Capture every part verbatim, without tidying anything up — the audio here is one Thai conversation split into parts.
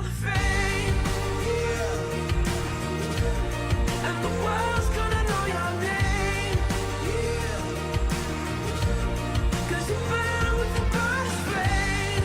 the fame, and the world's gonna know your name, 'cause you burn with the burst flame,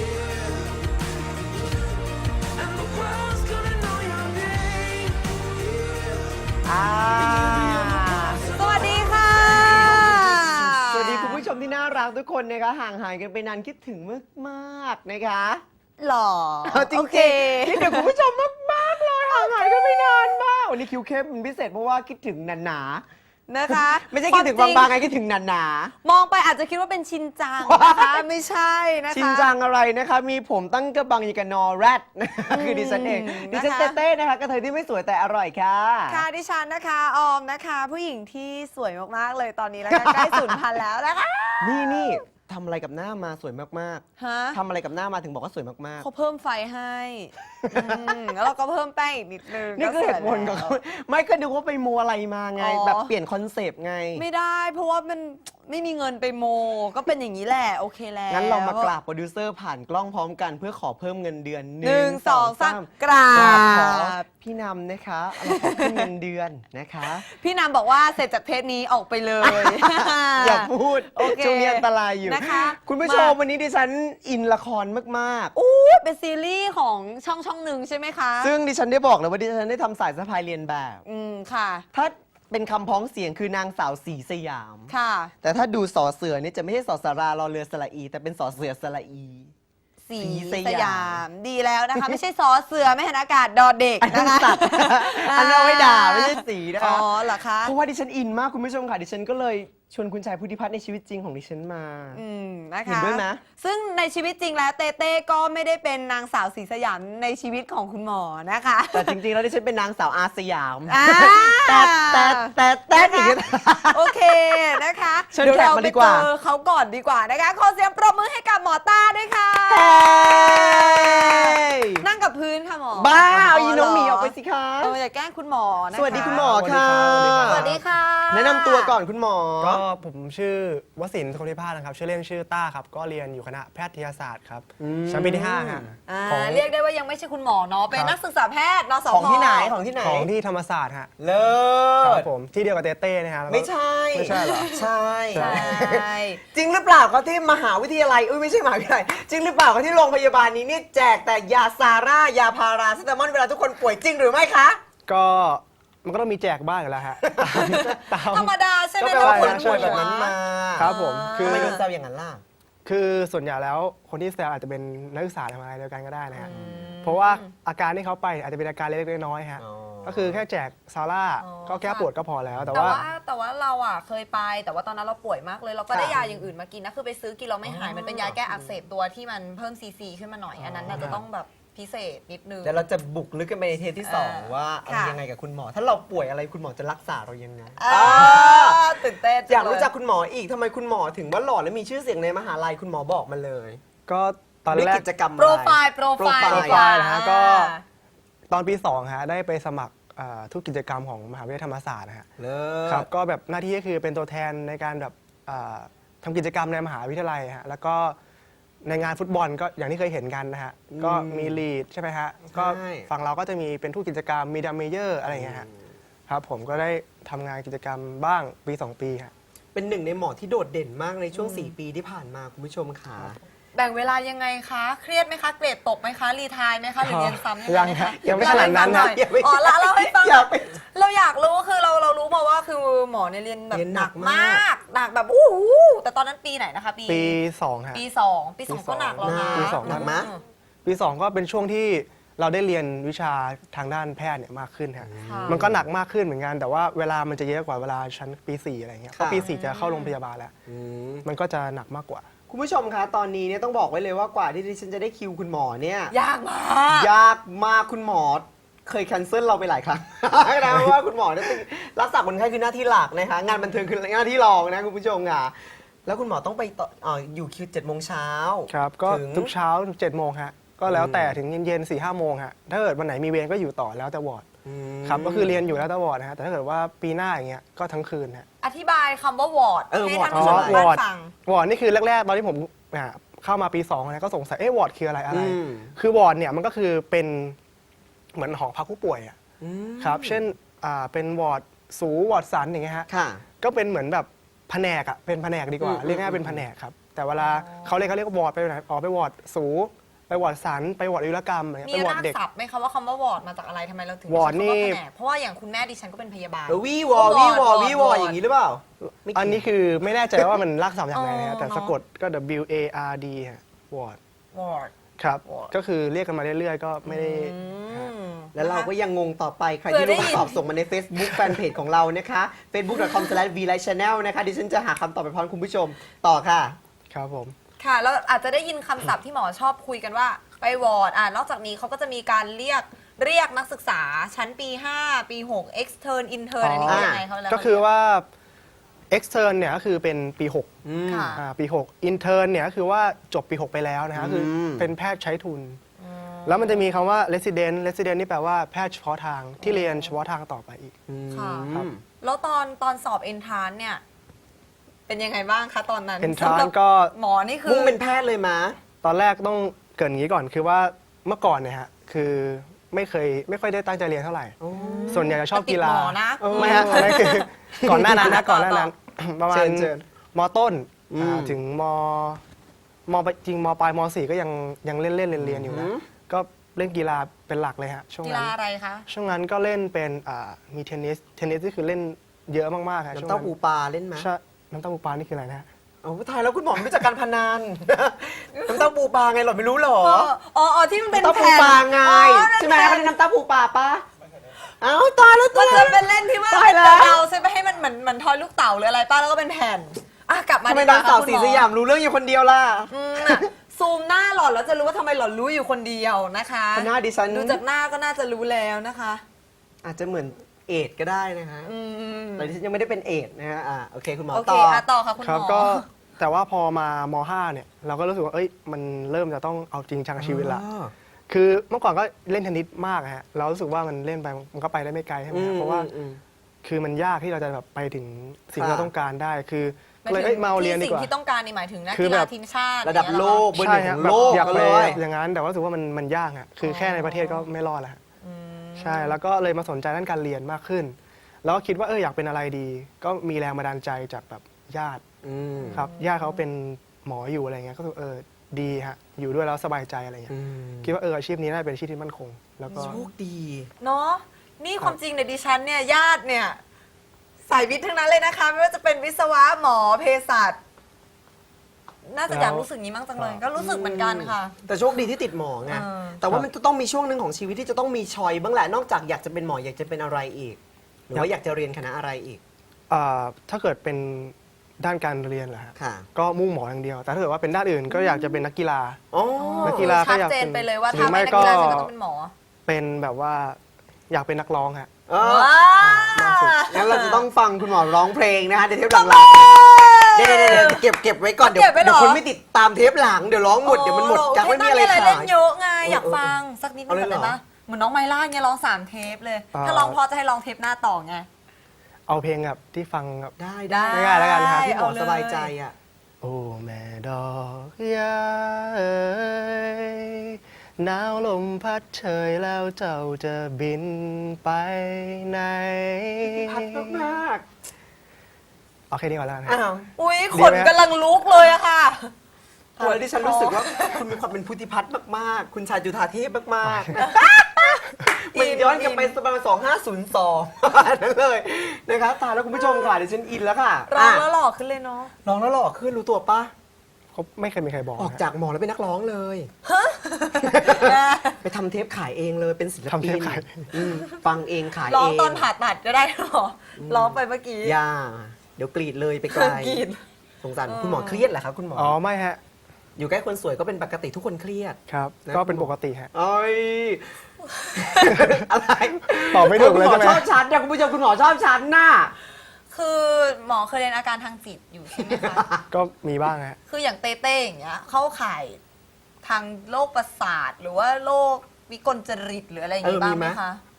and the world's gonna know your name. อ่าสวัสดีค่ะสวัสดีคุณผู้ชมที่น่ารักทุกคนนะคะห่างหายกันไปนานคิดถึงมากๆนะคะหล่อเอาจริโอง เคๆคิดถึงคุณผู้ชมมากๆเลยห่างหายกันไปนานมากวันนี้คิวเข้มเป็นพิเศษเพราะว่าคิดถึงหนานะคะๆไม่ใช่คิดถึงบางๆไงคิดถึงหนามองไปอาจจะคิดว่าเป็นชินจังนะคะ ไม่ใช่นะคะๆชินจังอะไรนะคะ มีผมตั้งกระบังอยางกับนอแรดนะคะคือดิฉันเองอืมดิฉันนะคะเต้ๆนะคะกระเทยที่ไม่สวยแต่อร่อยค่ะค่ะดิฉันนะคะออมนะคะ ผู้หญิงที่สวยมากๆเลยตอนนี้แล้วก็ ใกล้สูญพันธุ์แล้วนะคะนี่นี่ทำอะไรกับหน้ามาสวยมากฮะๆทำอะไรกับหน้ามาถึงบอกว่าสวยมากเขาเพิ่มไฟให้อืมแล้วเราก็เพิ่มแป้งอีกนิดนึงๆนี่คือเหตุผลของเขาไม่ก็ดูว่าไปมัวอะไรมาไงอ๋อแบบเปลี่ยนคอนเซปต์ไงไม่ได้เพราะว่ามันไม่มีเงินไปโม ก็เป็นอย่างนี้แหละโอเคแล้วงั้นเรามากราบโปรดิวเซอร์ผ่านกล้องพร้อมกันเพื่อขอเพิ่มเงินเดือนหนึ่งสองสามกราขอบ พี่นำนะคะเราขอขึ้นเงินเดือนนะคะพี่นำบอกว่าเสร็จจากเทปนี้ออกไปเลยอย่าพูดโอเคช่วงนี้อันตรายอยู่นะคะคุณผู้ชมมาวันนี้ดิฉันอินละครมากอู้เป็นซีรีส์ของช่องช่องหนึ่งใช่ไหมคะๆ ซึ่งดิฉันได้บอกเลยว่าดิฉันได้ทำสายสะพายเรียนแบบอืมค่ะถ้าเป็นคำพ้องเสียงคือนางสาวสีสยามค่ะแต่ถ้าดูสอเสือนี่จะไม่ใช่สอสารารอเรือสระอี แต่เป็นสอเสือสระอีสีสสยามยามดีแล้วนะคะ ไม่ใช่ซอเสือไม่เห็นอากาศดอเด็กอันนั้นะนคะสัตว์ อันนั้นเอาไว้ด่าไม่ใช่สีนะอ๋คะอเหรอคะเพราะว่าดิฉันอินมากคุณผู้ชมค่ะ ดิฉันก็เลยชวนคุณชายพุทธิพัฒน์ในชีวิตจริงของดิฉันมาอืมนะคะเห็นด้วยไหมซึ่งในชีวิตจริงแล้วเต้เต้ก็ไม่ได้เป็นนางสาวสีสยามในชีวิตของคุณหมอนะคะแต่จริงๆ แล้วดิฉันเป็นนางสาวอาสยามอ่าแต่แต่แต่แต่อีกโอเคนะคะเชิญเดี๋ยวแขกเรามาไปดีกว่าเจอเขาก่อนดีกว่านะคะขอเสียงปรบมือให้กับหมอต้าด้วยค่ะเฮ้ยนั่งกับพื้นค่ะหมอบ้าเอาอีน้องหมีเหรออกไปสิคะเอออย่าแกล้งคุณหมอนะคะสวัสดีคุณหมอค่ะสวัสดีค่ะแนะนำตัวก่อนคุณหมอก็ผมชื่อวสินทร์สุขธิภาสนะครับชื่อเล่นชื่อต้าครับก็เรียนอยู่คณะแพทยศาสตร์ครับอืมชั้นปีที่ห้าฮะอ่าของเรียกได้ว่ายังไม่ใช่คุณหมอเนาะเป็นครับนักศึกษาแพทย์นสพของที่ไหนของที่ไหนของที่ธรรมศาสตร์ฮะเลิครัศบผมที่เดียวกับเต้เต้นะฮะแล้วก็ไม่ใช่ไม่ใช่เหรอใช่ใช่จริงหรือเปล่าเขาที่มหาวิทยาลัยอุ้ยไม่ใช่มหาวิทยาลัยจริงหรือเปล่าเขาที่โรงพยาบาลนี้เนี่ยแจกแต่ยาซาร่ายาพาราเซตามอลเวลาทุกคนป่วยจริงหรือไม่คะก็มันก็ต้องมีแจกบ้างอยู่แล้วฮะตามธรรมดาใช่ไหมก็แปลว่าคนใช่ป่วยใช่แบบนั้นมาครับผมคืทำอไมโดนแซวอย่างนั้นล่ะคือส่วนใหญ่แล้วคนที่แซวอาจจะเป็นนักศึกษาทำอะไรเดียวกันก็ได้นะฮะเพราะว่าอาการที่เขาไปอาจจะเป็นอาการเล็กๆน้อยๆฮะอ๋อก็คือแค่แจกซาร่าอ๋อก็แก้ปวดก็พอแล้ว แต่แต่ว่าว่าแต่ว่าเราอ่ะเคยไปแต่ว่าตอนนั้นเราป่วยมากเลย เราก็ได้ค่ะยาอย่างอื่นมากินนะคือไปซื้อกินเราไม่หายมันเป็นยาแก้อักเสบตัวที่มันเพิ่มซีซีขึ้นมาหน่อยอันนั้นน่ะจะต้องแบบพิเศษนิดนึงเดี๋ยวเราจะบุกลึกกันไปในเทปที่สองเออว่าอะไรค่ะยังไงกับคุณหมอ ถ้าเราป่วยอะไรคุณหมอจะรักษาเรายังไงอ่าตื่นเต้นอยากรู้จักเลยคุณหมออีกทำไมคุณหมอถึงว่าหล่อและมีชื่อเสียงในมหาลัยคุณหมอบอกมาเลยก็ตอนด้วยแรกกิจกรรมอะโปรไรไฟล์โปรไฟล์โปรไฟล์ดีกว่านะฮะก็ ตอนปีสองฮะได้ไปสมัครเอ่อทุกกิจกรรมของมหาวิทยาลัยธรรมศาสตร์นะฮะเลิครับศก็แบบหน้าที่ก็คือเป็นตัวแทนในการแบบเอ่อทำกิจกรรมในมหาวิทยาลัยฮะแล้วก็ในงานฟุตบอลก็อย่างที่เคยเห็นกันนะฮะก็มีลีดใช่ไหมฮะก็ฝั่งเราก็จะมีเป็นทุกกิจกรรมมีดัมเมเยอร์อะไรอย่างเงี้ยฮะครับผมก็ได้ทำงานกิจกรรมบ้างปีสองปีฮะเป็นหนึ่งในหมอที่โดดเด่นมากในช่วง สี่ ปีที่ผ่านมาคุณผู้ชมค่ะแบ่งเวลายังไงคะ เครียดไหมคะ เกรดตกไหมคะ รีไทายไหมคะ หรือเรียนซ้ำยังไงฮะคะยังไม่ขนาดนั้นเล่นะให้ฟังหอยอย่าไปอ๋อละเล่าให้ฟังอย่าไปเราอยากรู้คือเราเรารู้มาว่าคือหมอเนี่ยเรียนแบบเรียนหหนันักกมมากากหนักแบบอู้หูแต่ตอนนั้นปีไหนนะคะ ปีปีสองฮะปีสองปีสองปีสก็องหนักแล้วนะปีสองหนักไหมอืปีสองก็เป็นช่วงที่เราได้เรียนวิชาทางด้านแพทย์เนี่ยมากขึ้นฮะค่ะมันก็หนักมากขึ้นเหมือนกัน แต่ว่าเวลามันจะเยอะกว่าเวลาชั้นปีสี่อะไรเงี้ยเพราะปีสี่จะเข้าโรงพยาบาลแล้วอืมมันก็จะหนักมากกว่าคุณผู้ชมคะตอนนี้เนี่ยต้องบอกไว้เลยว่ากว่าที่ดิฉันจะได้คิวคุณหมอเนี่ยยากมากยากมากคุณหมอเคยแคนเซิลเราไปหลายครั้ง นะเพราะว่าคุณหมอเนี่ยต้องรักษาคนไข้คือหน้าที่หลักนะคะงานบันเทิงคือหน้าที่รองนะคุณผู้ชมค่ะแล้วคุณหมอต้องไปต่ออ่ออยู่คิวเจ็ดโมงเช้าครับ ก็ถึงทุกเช้าเจ็ดโมงฮะ ก็แล้วแต่อืมถึงเย็นๆสี่ห้าโมงฮะ ถ้าเกิดวันไหนมีเวรก็อยู่ต่อแล้วแต่วอร์ดอืมครับ ก็คือเรียนอยู่แล้วแต่วอร์ดนะฮะ แต่ถ้าเกิดว่าปีหน้าอย่างเงี้ย ก็ทั้งคืนฮะอธิบายคำว่าวอร์ดเออให้วอร์ดท่านผู้ชมอ๋อทางบ้าวอร์ดนฟังวอร์ดนี่คือแรกๆ ตอนที่ผมอ่าเข้ามาปีสองเนี่ยก็สงสัยเอ๊ะวอร์ดคืออะไรอะไรอืมคือวอร์ดเนี่ยมันก็คือเป็นเหมือนหอพักผู้ป่วยอะอืมครับเช่นอ่าเป็นวอร์ดสูวอร์ดสันอย่างเงี้ยฮะค่ะก็เป็นเหมือนแบบแผนกอะเป็นแผนกดีกว่าอืมเรียกง่ายๆเป็นแผนกครับแต่เวลาเขาเรียกเขาเรียกว่าวอร์ดไปไหนออกไปวอร์ดสูไปวอร์ดสันไปวอร์ดอายุรกรรมอะไรเงี้ยมีไปวอร์ราดกเด็กศัพท์ไหมคะว่าคำว่าวอร์ดมาจากอะไรทำไมเราถึงวอร์ดใช้คำว่านี่แผนกเพราะว่าอย่างคุณแม่ดิฉันก็เป็นพยาบาลเออวีวอวอร์วีดวอวอร์ดวีวอวอร์ดอย่างนี้หรือเปล่าไม่อันนี้คือไม่แน่ใจว่ามันรากศัพท์อย่างไรนะฮะอ๋อแต่เนอะสะกดก็ W A R D ฮะวอร์ดวอร์ดครับ Ward ก็คือเรียกกันมาเรื่อยๆ ก็ไม่ได้อืมแล้วเราก็ยังงงต่อไป ใครเผื่ที่อได้รู้ยินคำตอบส่งมาใน Facebook แฟนเพจของเรานะคะ เฟซบุ๊กดอทคอมสแลชวีไลท์ชาแนล นะคะดิฉันจะหาคำตอบไปพร้อมคุณผู้ชมต่อค่ะครับผมค่ะแล้วอาจจะได้ยินคำศัพท์ที่หมอชอบคุยกันว่าไปวอร์ดอ่านอกจากนี้เขาก็จะมีการเรียกเรียกนักศึกษาชั้นปี ห้า ปี หก extern intern อันนี้คือยังไงเขาแล้วก็คือว่า extern เนี่ยก็คือเป็นปีหกค่ะอ่าปีหก intern เนี่ยก็คือว่าจบปีหกไปแล้วนะฮะคือมเป็นแพทย์ใช้ทุน แล้วมันจะมีคำว่า resident resident นี่แปลว่าแพทย์เฉพาะทางที่เรียนเฉพาะทางต่อไปอีกค่ะครับแล้วตอนตอนสอบ entrance เนี่ย เป็นยังไงบ้างคะตอนนั้น entrance สำหรับก็หมอนี่คือมุ่งเป็นแพทย์เลยมะตอนแรกต้องเกรินอย่างนี้ก่อนคือว่าเมื่อก่อนเนี่ยฮะคือไม่เคยไม่ค่อยได้ตั้งใจเรียนเท่าไหร่ ส่วนใหญ่จะชอบกีฬาติดหมอนะไม่ฮะอันนั้นคือก่อนหน้านั้นนะก่อนหน้านั้น ประมาณเชิญเชิญมต้นอืมอ่าถึงมมจริงมปลายมสี่ก็ยังยังเล่นเล่นเรียนเรียนอยู่นะอืมก็เล่นกีฬาเป็นหลักเลยฮะช่วงกีนั้ฬาน อะไรคะช่วงนั้นก็เล่นเป็นอ่ามีเทนนิสเทนนิสที่คือเล่นเยอะมากๆฮะช่วงน้ำเต้านั้นปูปลาเล่นไหมใช่น้ำเต้าปูปลานี่คืออะไรนะฮะโอ้ตายแล้วคุณหมอไม่รู้จักการพนัน น้ำเต้าปูปลาไงหรอไม่รู้หรออ๋ออ๋ออ๋อที่มันเป็นน้ำเต้าปูแผ่นปลาไงอ๋อนั่นใช่ไหมแผ่เขานเรียกน้ำเต้าปูปลาปะเอ้าตายแล้วมัตาน ยจะแล้วเป็นเล่นที่ว่าตายแล้วเราใช่ไหมให้มันเหมือนเหมือนทอยลูกเต่าหรืออะไรป้าแล้วก็เป็นแผ่นอ่ะกลับมาทำไมดีกนางค่ะสาวคุณสีหมอสยามรู้เรื่องอยู่คนเดียวล่ะอืมน่ะซูมหน้าหล่อนแล้วจะรู้ว่าทำไมหล่อนรู้อยู่คนเดียวนะคะหน้าดิฉันดูจากหน้าก็น่าจะรู้แล้วนะคะอาจจะเหมือนเอดส์ก็ได้นะฮะอืมแต่ดิฉันยังไม่ได้เป็นเอดส์นะฮะอ่าโอเคคุณหมอโอเคต่ออ่ะต่อค่ะคุณครัหบมอก็แต่ว่าพอมามห้าเนี่ยเราก็รู้สึกว่าเอ้ยมันเริ่มจะต้องเอาจริงจังชีวิตละอ๋อคือเมื่อก่อนก็เล่นเทนนิสมากอะฮะเรารู้สึกว่ามันเล่นไปมันก็ไปได้ไม่ไกลใช่ไหมฮะเพราะว่าอืมคือมันยากที่เราจะแบบไปถึงสิ่งที่ค่ะเราต้องการได้คือหมายเลยถึงเอ้ยมาเอาเรียนดีที่กว่าสิ่งที่ต้องการนี่หมายถึงนักคือกีแบฬาบทีมชาติระดับอย่างโลเงี้ยเหรอคะกเบอร์หนึ่งฮะของแบบโลกอยากก็ไปเลยอย่างนั้นแต่ว่ารู้สึกว่ามันมันยากอะคือแค่ในประเทศก็ไม่รอดแล้วฮะใช่แล้วก็เลยมาสนใจด้านการเรียนมากขึ้น แล้วก็คิดว่าเอออยากเป็นอะไรดี ก็มีแรงบันดาลใจจากแบบญาติอืมครับญาติเขาเป็นหมออยู่อะไรเงี้ยก็รู้สึกเออดีฮะอยู่ด้วยแล้วสบายใจอะไรเงี้ยอืมคิดว่าเอออาชีพนี้น่าจะเป็นอาชีพที่มั่นคง แล้วก็โชคดีเนาะนี่ความจริงเนี่ยดิฉันเนี่ยญาติเนี่ยสายวิทย์ทั้งนั้นเลยนะคะ ไม่ว่าจะเป็นวิศวะหมอเภสัชน่าจะอยากรู้สึกนี้มั้งจังเลย ก็รู้สึกเหมือนกันค่ะแต่โชคดีที่ติดหมอไงเออแต่ว่ามันจะต้องมีช่วงหนึ่งของชีวิตที่จะต้องมีชอยบ้างแหละ นอกจากอยากจะเป็นหมออยากจะเป็นอะไรอีก หรือว่าอยากจะเรียนคณะอะไรอีกอ่าถ้าเกิดเป็นด้านการเรียนเหรอฮะค่ะก็มุ่งหมออย่างเดียว แต่ถ้าเกิดว่าเป็นด้านอื่นก็อยากจะเป็นนักกีฬาอ๋อนักกีฬาก็ชัดอยากเจนเป็นไปเลยว่าหรือถ้าไม่ไม่นักกีฬาก็ฉันก็ต้องเป็นหมอเป็นแบบว่าอยากเป็นนักร้องฮะเออว้าล่าสุดงั้นเราจะต้องฟังคุณหมอร้องเพลงนะคะในเทปหลังๆเดี๋ยวเดี๋ยวเดี๋ยวเก็บเก็บไว้ก่อน เดี๋ยวเก็บไว้เหรอเดี๋ยวคนไม่ติดตามเทปหลัง เดี๋ยวร้องหมด เดี๋ยวมันหมดกักไม่มีอะไรเล่ขาน ยเยอะไงอยากเออเออฟังสักนิดนึเอางเลยก่อนเหรอได้ปะเหมือนน้องไมล่าเนี่ยร้องสามเทปเลยอ่าถ้าร้องพอจะให้ร้องเทปหน้าต่อไงเอาเพลงแบบที่ฟังแบบได้ได้ได้ง่ายๆแล้วกันนะครับที่หมอเอาเลยสบายใจอ่ะโอ้แม่ดอกยาเอ๋ยหนาวลมพัดเฉยแล้วเจ้าจะบินไปไหนพัดมากเอาแค่นี้ก่อนแล้วกันๆนะอ้าวอุ้ยขดีนไหมฮะกำลังลุกเลยอะค่ะโอ้ยดิฉันรู้สึกว่าคุณมีความเป็นพุทธิพัฒน์มากๆ คุณชายจุฑาเทพมากๆมันย้อนกลับไปประมาณสองห้าศูนย์สองนั่นเลยนะครับตายแล้วคุณผู้ชมค่ะดิฉันอินแล้วค่ะร้องะแล้วหล่อขึ้นเลยเนาะร้องแล้วหล่อขึ้นรู้ตัวปะเขาไม่เคยมีใครบอกออกนะจากหมอแล้วเป็นนักร้องเลย ไปทำเทปขายเองเลยเป็นศิลทำปิเทนปขายอืมฟังเองขายร้อเอง งตอนผ่าตัดก็ได้หรอร้องไปเมื่อกี้อย่าเดี๋ยวกรีดเลยไปไกลกรีดสงสารคุณหมอเครียดเหรอครับคุณหมออ๋อไม่ฮะอยู่ใกล้คนสวยก็เป็นปกติทุกคนเครียดครับนะก็เป็นปกติฮะเอ้ย อะไรตอบไม่ถูกเลยคุณหมใช่อไหมชอบฉันเนี่ยคุณผู้ชมคุณหมอชอบฉันน่ะคือหมอเคยเรียนอาการทางจิตอยู่ใช่ไหมคะก็มีบ้างฮะคืออย่างเต้เต้อย่างเงี้ยเข้าข่ายทางโรคประสาทหรือว่าโรควิกลจริตหรืออะไรอย่างงี้เออบ้างมีไหไหมมคะ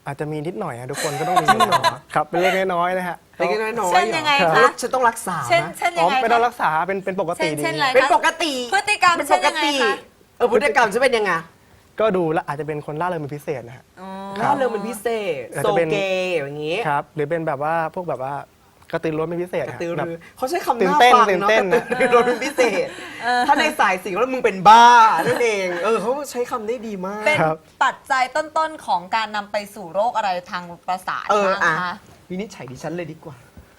อาจจะมีนิดหน่อยอะทุกคนก็ต้องมีนิดหน่อยครับเป็นเล็กน้อยๆนะฮะเล็กน้อยๆเช่นยังไงเหรอคะแล้วฉันต้องรักษาเช่นไหมเช่นอ๋ยัองไงไม่ต้องคะรักษาเป็นเป็นปกติเช่นดีเช่นอะไรเป็นปกติพฤติกรรมเป็นเช่ปนกยังไงติคะเออพฤติกรรมจะเป็นยังไงก็ดูและอาจจะเป็นคนล่าเริงเป็นพิเศษนะฮะอ๋อล่าเริงเป็นพิเศษอาจโซจะเป็นเกย์อย่างนี้ครับหรือเป็นแบบว่าพวกแบบว่ากระตือรือร้นเป็นพิเศษกระฮะตือแบบรือเขาใช้คำตื่น่านเต้นฟังตื่นเนาะเต้นกระตือรือร้นเป็นพิเศษ ถ้าในสายสิ่งแล้วมึงเป็นบ้านั่นเองเออเขาใช้คำได้ดีมากเป็นครับปัจจัยต้นๆของการนำไปสู่โรคอะไรทางประสาทเออบ้างอ่ะคะวินิจฉัยดิฉันเลยดีกว่า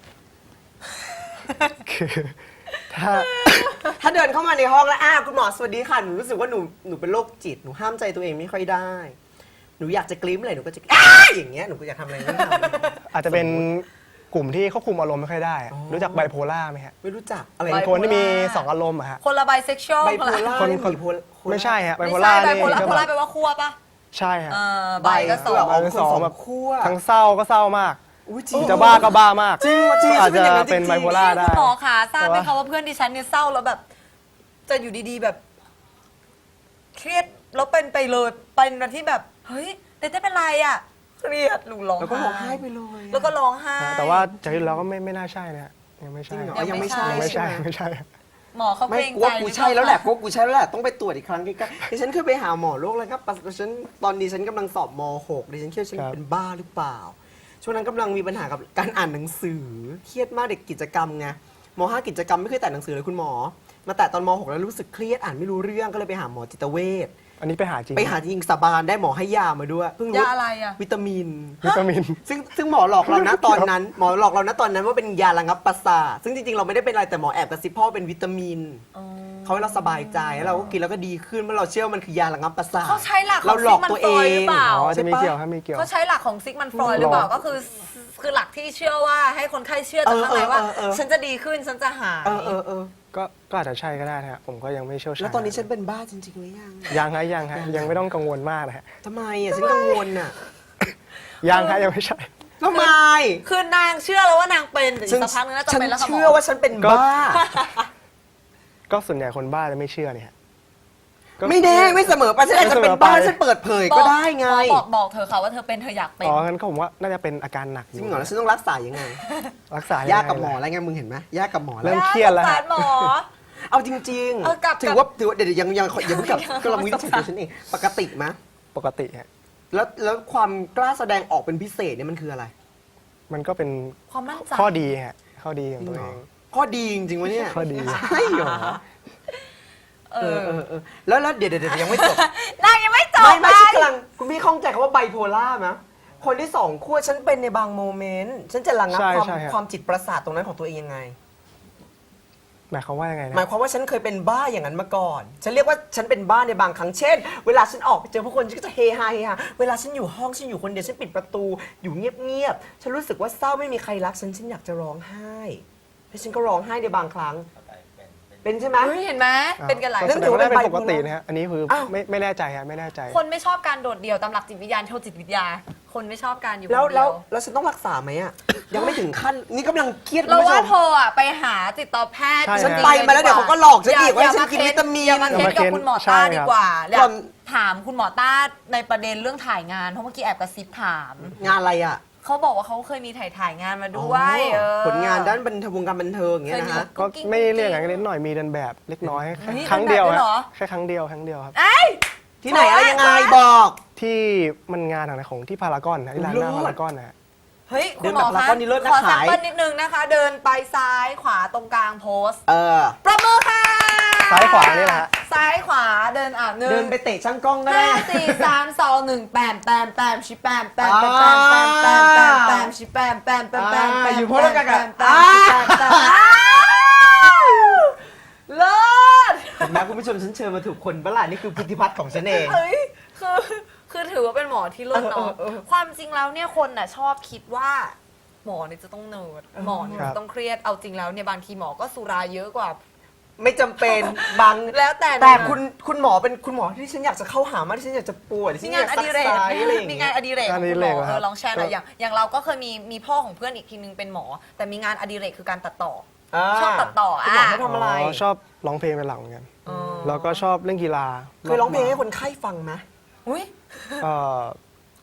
คือถ้าถ้าเดินเข้ามาในห้องแล้วอ้าวคุณหมอสวัสดีค่ะหนูรู้สึกว่าหนูหนูเป็นโรคจิตหนูห้ามใจตัวเองไม่ค่อยได้ หนูอยากจะกลิ้มอะไรหนูก็จะอ้าอย่างเงี้ยหนูก็อยากทำอะไรไม่ทำอาจจะเป็นกลุ่มที่ควบคุมอารมณ์ไม่ค่อยได้อะอ๋อรู้จักไบโพล่าไหมฮะไม่รู้จักอะไรเป็นคนที่มีสองอารมณ์อะฮะคนละไบเซ็กชวลไบโพล่าคนเยคนมีโพลาไม่ใช่ฮะไบไม่โพใช่ล่าไบนี่โพล่าก็โพแบล่าบแปลว่าคั่วปะใช่ฮะเออใบใบก็สองอ๋อเป็นสองแบบคั่วทั้งเศร้าก็เศร้ามากอุ๊ยจริงจะบ้าก็บ้ามากจริงจริงก็อาจเป็นจะอย่างนั้นจริงๆเป็นไบโพล่าได้คุณหมอคะทราบไหมแต่คะว่าว่าเพื่อนดิฉันเนี่ยเศร้าแล้วแบบ จะอยู่ดีๆแบบ เครียดแล้วเป็นไปเลยเป็นวันที่แบบ เฮ้ยแต่ได้เป็นไรอ่ะเครียดหนูร้องแล้วก็ร้องไห้ไปเลยอะแล้วก็ร้องไห้แต่ว่าจากที่เราก็ไม่ไม่น่าใช่นะฮะยังไม่จริใช่งเหรอยัยังงไม่ไม่ใช่ยังไม่ใช่ใช่ไหมไม่ใช่หมอเขาไม่เกรงกูใจว่ากูใช่แล้วแหละกูว่ากูใช่แล้วแหละต้องไปตรวจอีกครั้งใกล้ๆดิฉันเคยไปหาหมอโรคแล้วครับดิฉันตอนดิฉันกำลังสอบม หกดิฉันเครียดฉันครับเป็นบ้าหรือเปล่า ช่วงนั้นกำลังมีปัญหากับการอ่านหนังสือเครียดมากเด็กกิจกรรมไงม ห้ากิจกรรมไม่เคยแตะหนังสือเลยคุณหมอ มาแตะตอนม หกแล้วรู้สึกเครียดอ่านไม่รู้เรื่องก็เลยไปหาหมอจิตเวชอันนี้ไปหาจริงไปหาจริงสาบานได้หมอให้ยามาด้วยเพิ่งรู้ยาอะไรอ่ะวิตามินวิตามินซึ่งซึ่งหมอหลอกเรานะตอนนั้น หมอหลอกเรานะตอนนั้นว่าเป็นยาระงับประสาทซึ่งจริงๆเราไม่ได้เป็นอะไรแต่หมอแอบกระซิบพ่อเป็นวิตามินเขาให้เราสบายใจแล้วเราก็กินแล้วก็ดีขึ้นเมื่อเราเชื่อว่ามันคือยาระงับประสาทเขาใช้หลักของเราหลอกตัวเอซิกมันฟรอยด์หรืงอเปล่าอ๋อจะมีใช่ปะเกี่ยวครับมีเกี่ยวเขาใช้หลักของซิกมันฟรอยด์หรือเปล่าก็คือ คือหลักที่เชื่อว่าให้คนไข้เชื่อจากข้างในว่าเออเออเออฉันจะดีขึ้นฉันจะหายเออเออเออก็ก็อาจจะใช่ก็ได้นะฮะผมก็ยังไม่เชี่ยวชาญแล้วตอนนี้ฉันเป็นบ้าจริงๆหรือยังยังฮะยังฮะยังไม่ต้องกังวลมากนะฮะทำไมอ่ะฉันกังวลอ่ะยังฮะยังไม่ใช่ทำไมคือนางเชื่อแล้วว่านางเป็นแต่อีฉักสักพักนึงน่าจะฉันเป็นแล้วค่ะหมเชื่อว่าฉันเป็นก็บ้าก็ส่วนใหญ่คนบ้าจะไม่เชื่อเนี่ยฮะก็ไม่แน่ไม่เสมอไปฉันอาจจะเป็นบ้าไม่เสมอไปฉันเปิดเผยก็ได้ไงบอกบอกเธอค่ะว่าเธอเป็นเธออยากเป็นอ๋องั้นก็ผมว่าน่าจะเป็นอาการหนักอจริยู่งเหรอแล้วฉันต้องรักษายังไงรักษายยากกับหมอยังไงอะไรไงมึงเห็นไหมยากกับหมอเริ่แล้วมเครียดแล้วสงฮะสารหมอเอาจริงเออกลับถือว่าถือว่าเดี๋ยวเดี๋ยวยังยังยังเพิ่งกลับก็ลองวินิจฉัยตัวฉันเองปกติไหมปกติฮะแล้วแล้วความกล้าแสดงออกเป็นพิเศษเนี่ยมันคืออะไรมันก็เป็นความมั่นใจข้อดีฮะข้อดีของตัวเองข้อดีจริงๆวะเนี่ยข้อดีใช่เหรอเอเอออเออเออแล้วแล้วเดี๋ยวเดี๋ยวเดี๋ยวยังไม่จบนางยังไม่จบไม่ไม่เลฉันยกำลังคุณพี่ข้องใจคำว่าไบโพล่าไหมคนที่สองขั้วฉันเป็นในบางโมเมนต์ฉันจะระงับใช่ความใช่ฮะความจิตประสาทตรงนั้นของตัวเองยังไงหมายความว่ายังไงนะหมายความว่าฉันเคยเป็นบ้าอย่างนั้นมาก่อน ฉันเรียกว่าฉันเป็นบ้าในบางครั้ง เช่น เวลาฉันออกไปเจอผู้คนฉันก็จะเฮฮาเฮฮาเวลาฉันอยู่ห้องฉันอยู่คนเดียวฉันปิดประตู อยู่เงียบๆ ฉันรู้สึกว่าเศร้าไม่มีใครรักฉันฉันอยากจะร้องไห้แล้วฉันก็ร้องไห้ในบางครั้ง เป็นใช่ไหมเฮ้ยเห็นไหมเป็นกันหลายเรื่แสองดงว่าได้เป็นถือว่าเป็นปกติไบโพล่านะฮะอันนี้คืออ้าวไม่ไม่แน่ใจฮะไม่แน่ใจคนไม่ชอบการโดดเดี่ยวตามหลักจิตวิทยาโทษจิตวิทยา คนไม่ชอบการอยู่คนแล้วเดีแล้วยวแล้วฉันต้องรักษาไหมอ่ะ ยังไม่ถึงขั้น นี่กำลังเครียดคุณเราผู้ชว่าม เธออ่ะไปหาจิตแพทย์ใช่จริงๆฉันไปมาแล้วเดี๋ยวเขาก็หลอกฉันอีกว่าอย่ฉันกินเค้วิตามินอย่ามาเค้นกับคุณหมอใช่ต้าครับดีกว่าอยาก่กอนถามคุณหมอต้าในประเด็นเรื่องถ่ายงานเพราะเมื่อกี้แอบกระซิบถามงานอะไรอ่ะเขาบอกว่าเขาเคยมีถ่ายถ่ายงานมาด้วยอ๋อเออผลงานด้านบันเทิงวงการบันเทิงอย่างเงี้ยนะฮะก็ไม่เรียกอย่างนั้นนิดหน่อยมีเดินแบบเล็กน้อยแค่เฮ้ยครั้งเดียวเดินแบบด้วยเหรอฮะแค่ครั้งเดียวครั้งเดียวครับเอ้ยที่ไหนอะไรยังไงขอบอกที่มันงานอะไรของที่พารากอนนะที่ร้านหน้าเลิศพารากอนนะฮะเฮ้ยเดิคุณนหมอแบบคะละครนี่เลิศนะขอแซมขายเปิลนิดนึงนะคะ เดินไปซ้ายขวาตรงกลางโพสต์เออประมือค่ะซ้ายขวานี่แหละฮะซ้ายขวาเดินอ่ะหนึ่เดิงนไปเตะช่างกล้องก็ห้าได้สี่สามสองหนึ่งแปมแปมแปมชิแปมแปมแปมแปมแปมแปมแปมแปมชิแปมแปมแปมแปมแปมอยู่พร้อมกันกันแปมแปมแปมแปมเลิศเห็นไหมคุณผู้ชมฉันเชิญมาถูกคนปะล่ะนี่คือพุทธิพัฒน์ของฉันเองเฮ้ยคือคือถือว่าเป็นหมอที่เลิศเนาะเออเออเออความจริงแล้วเนี่ยคนน่ะชอบคิดว่า หมอเนี่ยจะต้องเนิร์ดหมอเนี่ยครับจะต้องเครียดเอาจริงแล้วเนี่ยบางทีหมอก็สุราเยอะกว่าไม่จำเป็นบางแล้วแต่แต่นะคุณคุณหมอเป็นคุณหมอที่ฉันอยากจะเข้าหามากที่ฉันอยากจะป่วยที่มีฉันงาอน ยากอซักดิเรกไซส์อะไรอย่างมีเงี้งานยอดิเรกของงานอคุดิณหเรมกอเหรอเอครัอบ ลองแชร์หน่อยก็อย่างอย่างเราก็เคยมีมีพ่อของเพื่อนอีกทีนึงเป็นหมอ แต่มีงานอดิเรกคือการตัดต่อาชอบตัดต่อคุณหมออ่ะเขาทำอะไรชอบร้องเพลงเป็นหลักเหมือนกันอ๋อแล้วก็ชอบเล่นกีฬาเคยร้องเพลงให้คนไข้ฟังไหมอุ้ยเอ่อ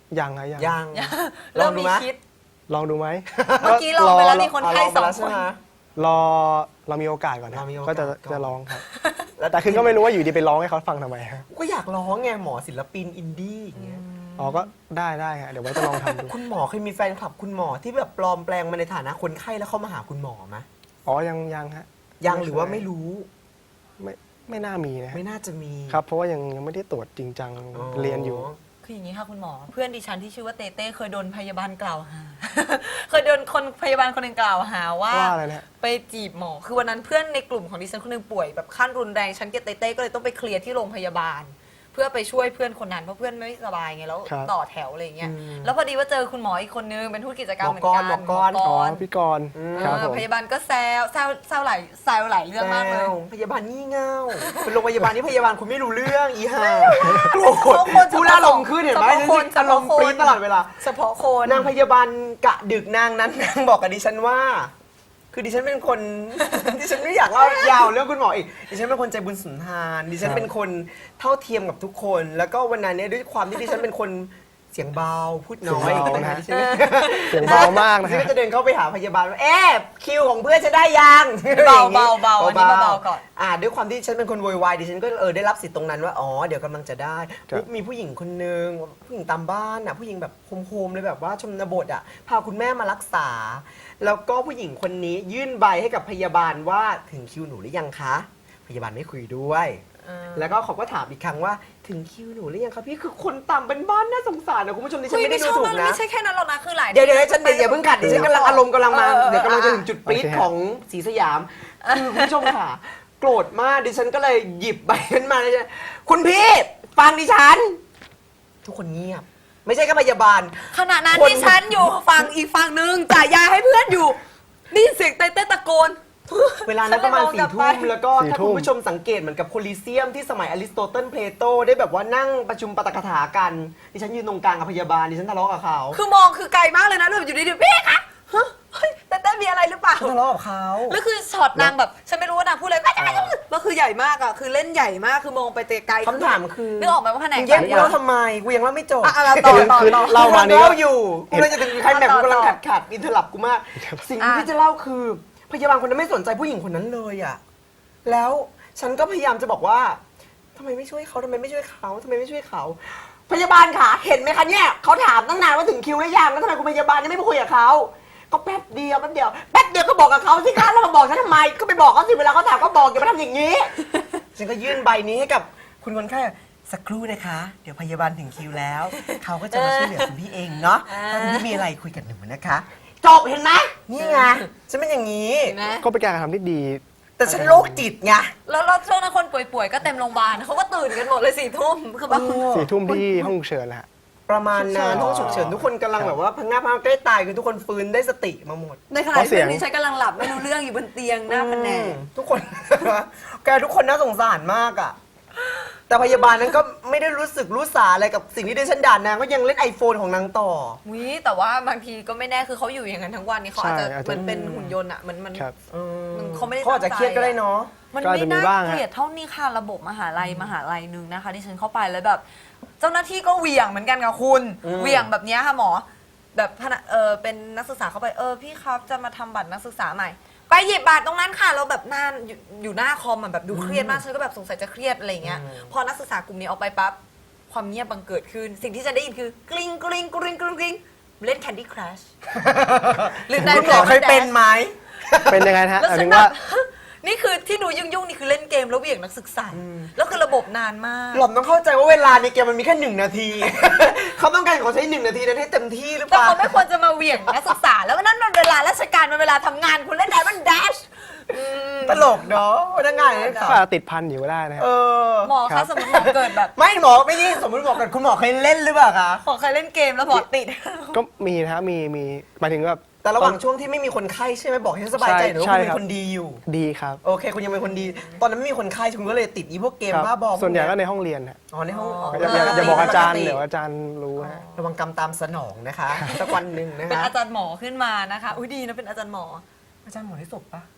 ยังฮะยังยังเริ่มลองดูมีไหมคิดลองดูไหมเมื่อกี้ลองไปแล้วมีคนเอาไข้ลองสไปองแล้วใช่คนไหมรอเรามีโอกาสก่อนนะเรามีโอกาสก็จะก่อนจะร้องครับแล้วแต่คือก็ไม่รู้ว่าอยู่ดีไปร้องให้เขาฟังทำไมฮะก็อยากร้องไงหมอศิลปินอินดี้อย่างเงี้ยอ๋อก็ได้ได้ฮะเดี๋ยวไว้จะลองทำดูคุณหมอเคยมีแฟนคลับคุณหมอที่แบบปลอมแปลงมาในฐานะคนไข้แล้วเข้ามาหาคุณหมอไหมอ๋อยังยังฮะยังหรือว่าไม่รู้ไม่ไม่น่ามีนะฮะไม่น่าจะมีครับเพราะว่ายังยังไม่ได้ตรวจจริงจังเรียนอยู่คืออย่างนี้ค่ะคุณหมอ เพื่อนดิฉันที่ชื่อว่าเต้เต้เคยโดนพยาบาลกล่าวหา เคยโดนคนพยาบาลคนหนึ่งกล่าวหาว่าว่าอะไรนะฮะไปจีบหมอ คือวันนั้นเพื่อนในกลุ่มของดิฉันคนหนึงป่วยแบบขั้นรุนแรงฉันกับเต้เต้ก็เลยต้องไปเคลียร์ที่โรงพยาบาล เพื่อไปช่วยเพื่อนคนนั้นเพราะเพื่อนไม่สบายไงแล้วครับต่อแถวอะไรอย่างเงี้ยแล้วพอดีว่าเจอคุณหมออีกคนนึงเป็นทูตกิจกรรมเหมือนหมอกักนรหมอกรหมอ๋ออพี่กรณ์ครับผมพยาบาลก็แซวแซวแซวหลายแซวหลายเรื่องมากเลยแซวพยาบาลงี่เง่าเป็นโรงพยาบาลที่พยาบาลคุณไม่รู้เรื่องอีห่าโกรธเฉพาะคนพูดอารมณ์ขึ้นเห็นไหมเฉพาะคนอารมณ์ปรี๊ดตลอดเวลาเฉพาะคนนางพยาบาลกะดึกนางนั้นนางบอกกับดิฉันว่า คือดิฉันเป็นคน ดิฉันไม่อยากเล่ายาวเรื่องคุณหมออีกดิฉันเป็นคนใจบุญสุนทานดิฉันเป็นคนเท่าเทียมกับทุกคน แล้วก็วันนั้นเนี่ยด้วยความที่ดิฉันเป็นคนเสียงเบาพูดน้อยเสียงเบานะดิฉันเสียงเบามากนะดิฉันฮะก็จะเดินเข้าไปหาพยาบาลว่าเอ๊ะคิวของเพื่อนจะได้ยังเบาเบาเบาอันนี้เบาๆก่อนอ่าด้วยความที่ฉันเป็นคนโวยวายดิฉันก็เออได้รับสิทธิ์ตรงนั้นว่าอ๋อเดี๋ยวกำลังจะได้ปุ๊บมีผู้หญิงคนนึงผู้หญิงตามบ้านอ่ะผู้หญิงแบบโฮมๆเลยแบบว่าชนบทอ่ะพาคุณแม่มารักษา แล้วก็ผู้หญิงคนนี้ยื่นใบให้กับพยาบาลว่าถึงคิวหนูหรือยังคะ พยาบาลไม่คุยด้วย แล้วก็เขาก็ถามอีกครั้งว่าถึงคิวหนูหรือยังคะพี่คือคนต่ำเป็นบ้านน่าสงสารนะคุณผู้ชมดิฉันไม่ได้ดูถูกนะไม่ใช่แค่นั้นหรอกนะคือหลายเดี๋ยวเดี๋ยวฉันเดี๋ยวอย่าเพิ่งขัดดิฉันกำลังอารมณ์กำลังมาเออเออเดี๋ยวกำลังจะถึงจุดปรี๊ดโอเคฮะของศรีสยาม คือคุณผู้ชมค่ะ โกรธมากดิฉันก็เลยหยิบใบนั้นมาเลยคุณพี่ฟังดิฉัน ทุกคนเงียบ ไม่ใช่แค่พยาบาลขณะนั้นคนที่ฉันอยู่ฝั่งอีกฝั่งนึงจ่ายยาให้เพื่อนอยู่นี่เสียงเต้เต้ตะโกนเวลานั้นประมาณฉันเลยสี่มองกลัทุ่บมไปแล้วก็สี่ถ้าทุ่คุณมผู้ชมสังเกตเหมือนกับโคลิเซียมที่สมัยอริสโตเติลเพลโตได้แบบว่านั่งประชุมปาฐกถากันดิฉันยืนตรงกลางกับพยาบาลดิฉันทะเลาะกับเขาคือมองคือไกลมากเลยนะแล้วแบบอยู่ดีๆพี่คะฮะเฮ้ยเต้เต้มีอะไรหรือเปล่าฉันทะเลาะกับเขาแล้วคือช็อตนางแบบฉันไม่รู้ว่านางพูดอะไรก็ก็คือใหญ่มากอ่ะคือเล่นใหญ่มากคือมองไปไกลๆคำถามคือนึกออกไหมว่าแผนกมึงแย่งกูไหนเล่าอะทำไมกูยังเล่าไม่จบอ่ะอ่ะเราต่อต่อคือต่อเล่ามากูนี่เล่าก็อยู่กูเลยจะถึงใครแบบกูกำลังขัดขัดอินเทอร์ลับกูมาก สิ่งที่อ่ะพี่จะเล่าคือ พยาบาลคนนั้นไม่สนใจผู้หญิงคนนั้นเลยอ่ะแล้วฉันก็พยายามจะบอกว่าทำไมไม่ช่วยเขาทำไมไม่ช่วยเขาทำไมไม่ช่วยเขา พยาบาลค่ะเห็นไหมคะเนี่ยเขาถามตั้งนานว่าถึงคิวหรือยังแล้วทำไมคุณพยาบาลยังไม่ไปคุยกับเขาก็แป๊บเดียวแป๊บเดียวแป๊บเดียวก็บอกกับเขาสิคะแล้วมาบอกฉันทำไมก็ไปบอกเขาสิเวลาเขาถามก็บอกอย่ามาทำอย่างนี้ ฉันก็ยื่นใบนี้ให้กับคุณคนไข้สักครู่นะคะ เดี๋ยวพยาบาลถึงคิวแล้ว เขาก็จะมาช่วยเหลือคุณพี่เองเนาะถ้าคุณพี่มีอะไรคุยกับหนูนะคะจบเห็นไหมนี่ไงฉันเป็นอย่างนี้เห็นไหมก็เป็นการกระทำที่ดีแต่ฉันโรคจิตไงแล้วแล้วช่วงนั้นคนป่วยๆก็เต็มโรงพยาบาลเขาก็ตื่นกันหมดเลยสี่ทุ่มคือแบบสี่ทุ่มที่ห้องฉุกเฉินแหละฮะประมาณนั้นห้องฉุกเฉินทุกคนกำลังแบบว่าพังงาพังใกล้ตายคือทุกคนฟื้นได้สติมาหมดในขณะที่เพื่อนที่ฉันกำลังหลับไม่รู้เรื่องอยู่บนเตียงหน้าแผนกทุกคน แกทุกคนน่าสงสารมากอ่ะ แต่พยาบาลนั้นก็ไม่ได้รู้สึกรู้สาอะไรกับสิ่งที่ดิฉันด่านางก็ยังเล่น iPhone ของนางต่อวิแต่ว่าบางทีก็ไม่แน่คือเขาอยู่อย่างนั้นทั้งวันนี่เขาอาจจะใช่อาจจะมันเป็นหุ่นยนต์อ่ะมันมันครับมันเขาไม่ได้เขาอาจจะตั้งใจเครียดก็ได้เนาะมันก็อาจไม่จะมีน่าบ้างฮะเกลียดเท่านี้ค่ะระบบมหาลัยมหาลัยหนึ่งนะคะที่ฉันเข้าไปแล้วแบบ เจ้าหน้าที่ก็เหวี่ยงเหมือนกันกับคุณอืมเหวี่ยงแบบเนี้ยค่ะหมอ แบบพนักเออเป็นนักศึกษาเข้าไปเออพี่ครับจะมาทำบัตรนักศึกษาใหม่ ไปหยิบบัตรตรงนั้นค่ะเราแบบนานอยู่อยู่หน้าคอมอะแบบดูเครียดมากฉันก็แบบสงสัยจะเครียดอะไรอย่างเงี้ยพอนักศึกษากลุ่มนี้ออกไปปั๊บความเงียบบังเกิดขึ้น สิ่งที่ฉันได้ยินคือกริ๊งกริ๊งกริ๊งกริ๊งกริ๊งเล่น Candy Crush หรือคุณหมอเคยเป็นไหมเป็นยังไงนะฮะแล้วหมายฉัถึนงแบว่าบ นี่คือที่หนูยุ่งๆนี่คือเล่นเกมแล้วเหวี่ยงนักศึกษาแล้วคือระบบนานมากหล่อมต้องเข้าใจว่าเวลาในเกมมันมีแค่หนึ่งนาที เขาต้องการขอใช้หนึ่งนาทีนั้นให้เต็มที่หรือเปแต่ล่าเขาไม่ควรจะมาเหวี่ยงนักศึกษา แล้วนั่นมันเวลาราชการมันเวลาทำงานคุณเล่นได้มันแดชตลกเนาะพนักงานเนี่ยก็อาจจะติดพันอยู่ก็ได้นะฮะเออหมอครัคะบสมมติหมอเกิดแบบไม่หมอไม่นี่สมมติบอกกันคุณหมอเคยเล่นหรือเปล่าคะหมอเคยเล่นเกมแล้วหมอติดก็มีนะฮะมีมีหมายถึงแบบแต่ระหว่างช่วงที่ไม่มีคนไข้ใช่ไหมบอกให้ฉันสบายใจหน่อยว่าใช่คุณเป็ครันบคนดีอยู่ดีครับโอเค คุณยังเป็นคนดี ตอนนั้นไม่มีคนไข้คุณก็เลยติดอีพวกเกมครับบ้าบอส่วนใหญ่ก็พกในเยห้องเรียนฮะอ๋อในห้องอ๋ออย่าอย่าอย่าบอกอาจารย์เดี๋ยวอาจารย์รู้ฮะระวังกรรมตามสนองนะคะสักวันหนึ่งนะเป็นคะอาจารย์หมอขึ้นมานะคะอุ้ยดีนะเป็นอาจารย์หมออาจารย์หมอได้ศพปะ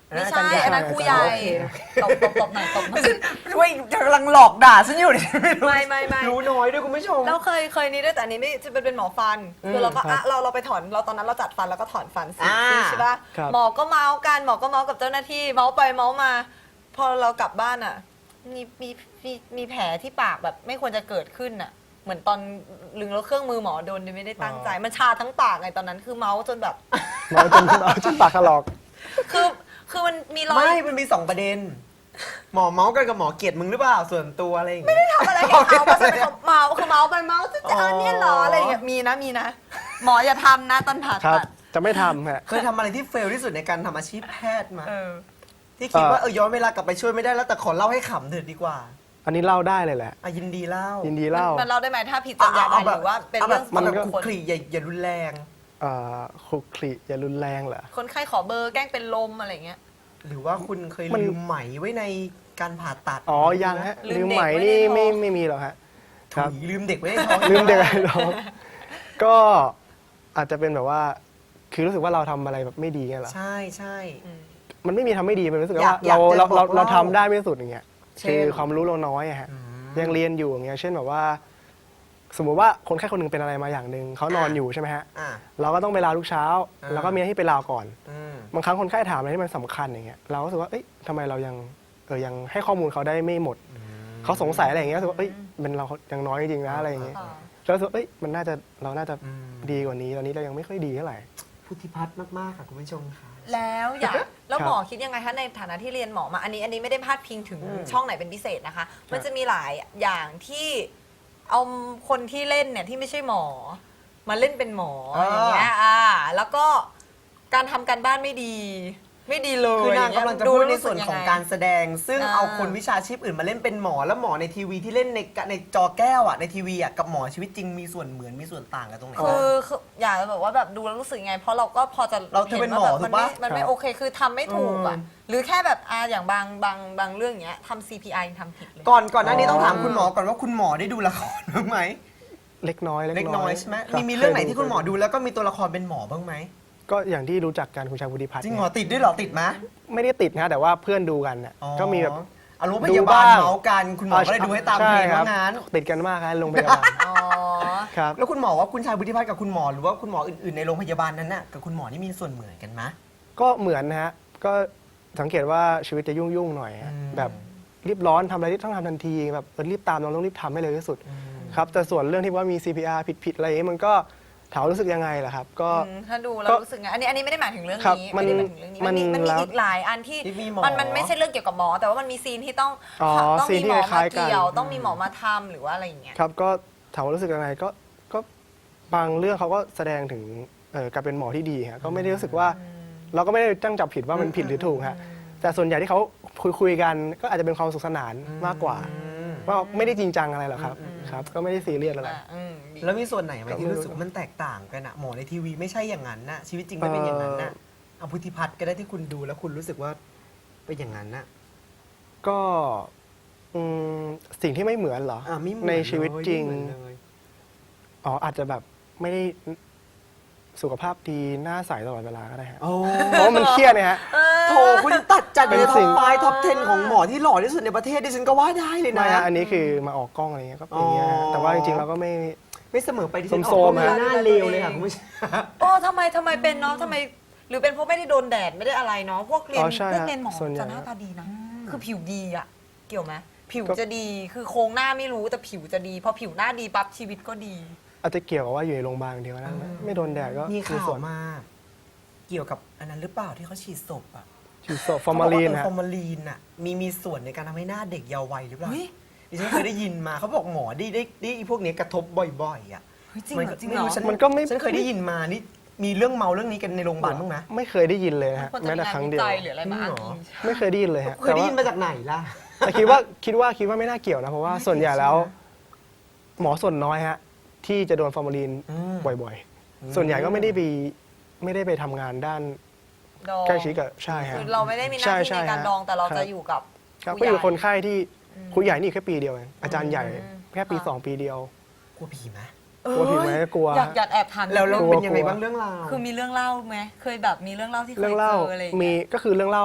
ไม่ใช่อันนั้นครูใหญ่โอเคตบตบตบหน่อยตบหน่อยช่วยกำลังหลอกด่าฉันอยู่เนี่ยไม่ไม่ไม่รู้น้อยด้วยคุณผู้ชมเราเคยเคยนี้ด้วยแต่อันนี้ไม่จะเป็นเป็นหมอฟัน คือเราก็อ่ะเราเราไปถอนเราตอนนั้นเราจัดฟันแล้วก็ถอนฟันสีอ่าซี่ใช่ป่ะครับหมอก็เมาส์กันหมอก็เมาส์กับเจ้าหน้าที่เมาส์ไปเมาส์มา พอเรากลับบ้านอ่ะมีมีมีมีแผลที่ปากแบบไม่ควรจะเกิดขึ้นอ่ะ เหมือนตอนลึงแล้วเครื่องมือหมอโดนโดยไม่ได้ตั้งใจ มันชาทั้งปากไงตอนนั้นคือเมาส์จนแบบเมาจนเมาจนปากถลอกคือคือมันมีรอยไม่ มันมีสองประเด็น หมอเมาส์กันกับหมอเกลียดมึงหรือเปล่าส่วนตัวอะไรอย่างเงี้ยทำอะไรกับเขาเพราะฉันเป็นคนเมาคือเมาไปเมาจะจะเอาเนี่ยเหรออะไรอย่างเงี้ยมีนะมีนะ หมออย่าทำนะตอนผ่าครับตัดจะไม่ทำฮะเคยทำอะไรที่เฟลที่สุดในการทำอาชีพแพทย์มาเออที่คิดว่าเอ่อเออย้อนเวลากลับไปช่วยไม่ได้แล้วแต่ขอเล่าให้ขำเถิดดีกว่าอันนี้เล่าได้เลยแหละอ่ะยินดีเล่ายินดีเล่ามันเล่าได้ไหมถ้าผิดจรรยาบรรณหรือว่าเป็นเรื่องมันส่วนก็บุคคลคลีอย่าอย่ารุนแรงเอ่อคลุกคลิอย่ารุนแรงเหรอคนไข้ขอเบอร์แกล้งเป็นลมอะไรเงี้ยหรือว่าคุณเคยมันลืมไหมไว้ในการผ่าตัดอ๋อยังฮะลืลืมมเด็กไหมไว้ในนี่ท้องไม่ไม่มีหรอกฮะครับถุยลืมเด็กไว้ในท้องลืมเด็กไว้น้องก็อาจจะเป็นแบบว่า คือรู้สึกว่าเราทำอะไรแบบไม่ดีไงเหรอใช่ใช่มันไม่มีทำไม่ดีมันรู้สึกอยาว่ากอยาเรากจะเราบอกเราเราเล่าทำได้ไม่สุดอย่างเงี้ยเช่นคือความรู้เราน้อยอะฮะอืมยังเรียนอยู่อย่างเงี้ยเช่นแบบว่า สมมุติว่าคนไข้คนหนึงเป็นอะไรมาอย่างหนึ่งเขานอนอยู่ใช่ไหมฮะอ่ะเราก็ต้องไปลาทุกเช้าอ่าแล้วก็มีหน้าที่ไปลาก่อนอืมบางครั้งคนไข้ถามอะไรที่มันสำคัญอย่างเงี้ยเราก็รู้สึกว่าเอ้ยทำไมเรายังเออยังให้ข้อมูลเขาได้ไม่หมดเขาสงสัยอะไรอย่างเงี้ยรู้สึกว่าเอ้ยเป็นเรายังน้อยจริงๆนะอะไรอย่างเงี้ยอ่าแล้วรู้สึกว่าเอ้ยมันน่าจะเราน่าจะอืมดีกว่านี้ตอนนี้เรายังไม่ค่อยดีเท่าไหร่พุทธิพัฒน์มากๆค่ะคุณผู้ชมค่ะแล้วอยากแล้วครับหมอคิดยังไงคะในฐานะที่เรียนหมอมาอันนี้อันนี้ไม่ได้พาดพิงถึงอืมช่องไหนเป็นพิเศษนะคะ มันจะมีหลายอย่างที่เอาคนที่เล่นเนี่ยที่ไม่ใช่หมอ มาเล่นเป็นหมออย่างเงี้ยอ่าแล้วก็การทำการบ้านไม่ดี ไม่ดีเลยคือนางกำลังจะพูดในส่วนของการดูแสดง ซึ่งอ่าเอาคนวิชาชีพอื่นมาเล่นเป็นหมอแล้วหมอในทีวีที่เล่นในในจอแก้วอ่ะในทีวีอ่ะกับหมอชีวิตจริงมีส่วนเหมือนมีส่วนต่างกันตรงไหนรู้สึกยังไงคือคืออยากจะแบบว่าแบบดูแล้วรู้สึกยังไง เพราะเราก็พอจะเราเธอเป็นหมอห็ว่าแบบมันไม่ถูกปะมันไม่ครับโอเคคือทำไม่ถูกอ่ะอืมหรือแค่แบบอ่าอย่างบางบางบางเรื่องอย่างเงี้ยทำ ซี พี อาร์ ยังทำผิดเลยก่อนก่อนหน้านี้อ๋อต้องถามคุณหมอก่อนว่าคุณหมอได้ดูละครบ้างไหมเล็กน้อยเล็กน้อยใช่ไหมคบมีมีเรื่องไหนคยที่คุณหมอดูแล้วก็มีตัวละครเป็นหมอบ้างไหมก็อย่างที่รู้จักกันคุณชายวุฒิพัฒน์จริงเหรอติดด้วยเหรอติดไหมไม่ได้ติดนะแต่ว่าเพื่อนดูกันน่ะอ๋อก็มีแบบอารมณ์พดูยาบาลบ้างเมาส์กันคุณหมอก็เลยดูให้ตามเพลงใช่คว่ารับงั้นติดกันมากครับโรงพยาบาลอ๋อครับแล้วคุณหมอว่าคุณชายบุธิพัฒน์กับคุณหมอหรือว่าคุณหมออื่นๆในโรงพยาบาลนั้นน่ะกับคุณหมอนี่มีส่วนเหมือนกันไหมก็เหมือนนะฮะก็สังเกตว่าชีวิตจะยุ่งยุ่งๆหน่อยฮะอืมแบบรีบร้อนทำอะไรที่ต้องทำทันทีแบบเออรีบตามเราต้องรีบทำให้เร็วที่สุดครับแต่ส่วนเรื่องที่ว่ามี ซี พี อาร์ ผิดๆอะไรอย่างนี้มันก็ถามว่ารู้สึกยังไงล่ะครับ ก็อืมถ้าดูแล้วก็รู้สึกไงอันนี้อันนี้ไม่ได้หมายถึงเรื่องครับนี้มันไม่ได้หมายถึงเรื่องนี้มันมีมันมันมีแล้วอีกหลายอันที่ที่มีหมอมันมันไม่ใช่เรื่องเกี่ยวกับหมอ แต่ว่ามันมีซีนที่ต้องอ๋อต้องซีนมีที่หมอคล้ามาๆกันเกี่ยว ต้องมีหมอมาทำหรือว่าอะไรอย่างเงี้ยครับก็ถามว่ารู้สึกยังไงก็ก็บางเรื่องเขาก็แสดงถึงเอ่อการเป็นหมอที่ดีฮะก็ไม่ได้รู้สึกว่า เราก็ไม่ได้ตั้งจับผิดว่ามันผิดหรือถูกฮะแต่ส่วนใหญ่ที่เขาคุยคุยๆกันก็อาจจะเป็นความสนุขสนานมากกว่า ว่าไม่ได้จริงจังอะไรหรอกครับครับ ก็ไม่ได้ซีเรียสอะไรอ่ะอืมดีแล้วมีส่วนไหนไหมก็ไม่ที่รู้รู้สึกว่ามันแตกต่างกันอะหมอในทีวีไม่ใช่อย่างนั้นน่ะชีวิตจริงไม่เป็นอย่างนั้นน่ะเอาพุทธิพัฒน์ก็ได้ที่คุณดูแล้วคุณรู้สึกว่าเป็นอย่างนั้นน่ะก็อืมสิ่งที่ไม่เหมือนเหรออ่ะไม่เหมือนในชีวิตจริงไม่เหมือนเลยอ๋ออาจจะแบบไม่ได้สุขภาพดีหน้าใสตลอดเวลาก็ได้ฮะโอ้เพราะว่ามันเครียดเนี่ยฮะโถคุณตัดจัดอยู่ในเป็นท็สิ่อปงไฟท็อปสิบของหมอที่หล่อที่สุดในประเทศดิฉันก็ว่าได้เลยไม่นะฮะอันนี้คือมาออกกล้องอะไรเงี้ยก็เป็นอย่างเงี้ยฮะอ๋อแต่ว่าจริงๆเราก็ไม่ไม่เสมอไปดิฉันออกโซก็มๆมีฮะหน้าเลวเลยค่ะคุณผู้ชมโอ้ทำไมทำไมเป็นเนาะทำไมหรือเป็นเพราะไม่ได้โดนแดดไม่ได้อะไรเนาะพวกเรียนอ๋อใช่พวกฮะเรียนหมอส่วนใหญ่จะหน้าตาดีนะคือผิวดีอะเกี่ยวไหมผิวก็จะดีคือโครงหน้าไม่รู้แต่ผิวจะดีพอผิวหน้าดีปั๊บชีวิตก็ดีอาจจะเกี่ยวกับว่าอยู่ในโรงพยาบาลอย่างเดียวนะไม่โดนแดดก็มีข่าส่ววนมา เกี่ยวกับอันนั้นหรือเปล่าที่เขาฉีดศพอ่ะฉีดโซฟอร์มาลีนเขบกว่าเออฮะฟอร์มาลีนอ่ะมีมีส่วนในการทำให้หน้าเด็กเยาว์วัยหรือเปล่าเฮ้ยดิฉันเคยได้ยินมาเขาบอกหมอได้ได้ได้ไอ้พวกเนี้ยกระทบบ่อยๆอ่ะเฮ้ยจริงเหรอจริงเหรอไฉัมันก็ไม่ฉันเคยได้ยินมานี่มีเรื่องเมาเรื่องนี้กันในโรงพยาบาลบ้างไหมไม่เคยได้ยินเลยนะฮะควรจะแม้มีแต่งานครั้งวิเดียวจัยหรืออะไรมาอ้างจริงเหรออิงไม่เคยได้ยินเลยฮะเคยได้ยินมาจากไหนล่ะแต่คิดว่าคิดว่าคิดว่าไม่น่าเกี่ยวนะเพราะว่าส่วนใหญ่แล้ว หมอส่วนน้อยฮะที่จะโดนฟอร์มาลีนอืมบ่อยๆ ส่วนใหญ่ก็ไม่ได้ไปไม่ได้ไปทำงานด้านดองใกล้ชิดกับใช่ฮะคือเราไม่ได้มีหน้าใช่ที่ใช่ในการฮะดองแต่เราคจะบอยู่กับครับผู้ก็ใหอญ่ยู่คนไข้ที่ครูใหญ่นี่แค่ปีเดียวเองอาจารย์ใหญ่อืมแค่ปีค่ะสองปีเดียวกลัวผีไหมกลัวผีไหมกลัวอยากอยากแอบถามแล้วเรานิดนึงเป็นยังไงกลัวบ้างเรื่องราวคือมีเรื่องเล่าไหมเคยแบบมีเรื่องเล่าที่เคยเรื่องเล่าเจออะไรอย่างมีเงี้ยก็คือเรื่องเล่า